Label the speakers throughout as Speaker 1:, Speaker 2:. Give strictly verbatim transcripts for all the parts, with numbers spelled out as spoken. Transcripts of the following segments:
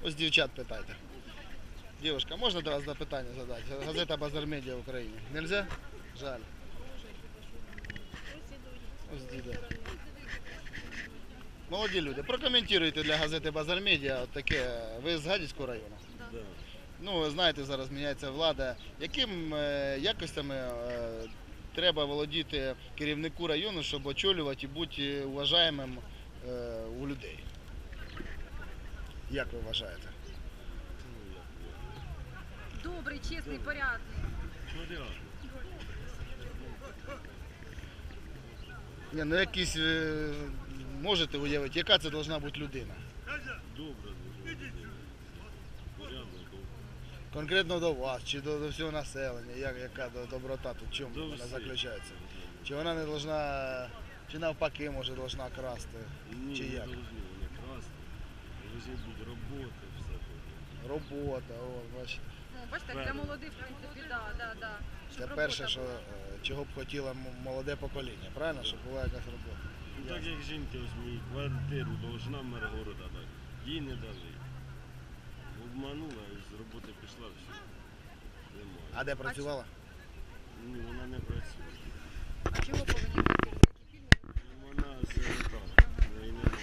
Speaker 1: Ось дівчат питайте. Дівчинка, можна до вас запитання задати? Газета «Базар Медіа» в Україні. Нельзя? Жаль. Ось діда. Молоді люди, прокоментуйте для газети «Базар Медіа» от таке. Ви з Гадяцького району?
Speaker 2: Да.
Speaker 1: Ну, ви знаєте, зараз міняється влада. Яким е, якостями е, треба володіти керівнику району, щоб очолювати і бути уважаємим е, у людей? Як ви вважаєте?
Speaker 3: Добрий, чесний, порядний.
Speaker 2: Порядок.
Speaker 1: Ні, ну якісь е, можете уявити, яка це повинна бути людина?
Speaker 2: Добре. Порядок.
Speaker 1: Конкретно до вас, чи до, до всього населення, як, яка до, доброта тут, в чому
Speaker 2: До
Speaker 1: вона
Speaker 2: всіх.
Speaker 1: заключається? Чи вона не повинна, чи навпаки, може, повинна красти,
Speaker 2: Ні,
Speaker 1: чи
Speaker 2: не
Speaker 1: як?
Speaker 2: должны вони красти. Должны бути роботи, все.
Speaker 1: Робота, о, бачите.
Speaker 3: Ну, бачите, для молодих, в принципі, да, да, да.
Speaker 1: Це
Speaker 3: Щоб
Speaker 1: перше,
Speaker 3: робота
Speaker 1: що,
Speaker 3: була.
Speaker 1: е, чого б хотіло м- молоде покоління, правильно? Щоб була якась робота.
Speaker 2: Ну так як жінка ось мені квартиру должна мер города дати. Їй не дали. Обманула і з роботи пішла, все. Немає.
Speaker 1: А де працювала?
Speaker 2: Ні, вона не працює.
Speaker 3: А чого повинні бути? Які фільми?
Speaker 2: Ну, вона сирота. В неї немає.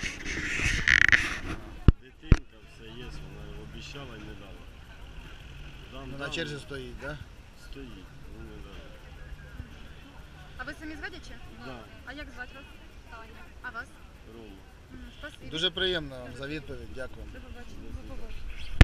Speaker 2: Дитинка, все є, вона обіцяла і не дала. Дам,
Speaker 1: Ну, на
Speaker 2: дам,
Speaker 1: черзі стоїть, так? Да?
Speaker 2: Стоїть, ну не дала.
Speaker 3: А ви самі з Гадяча?
Speaker 2: Да,
Speaker 3: А як звати вас? Таня. А вас?
Speaker 2: Рома.
Speaker 3: М, Спасибі.
Speaker 1: Дуже приємно вам за відповідь, дякую.
Speaker 3: До побачення. До побачення.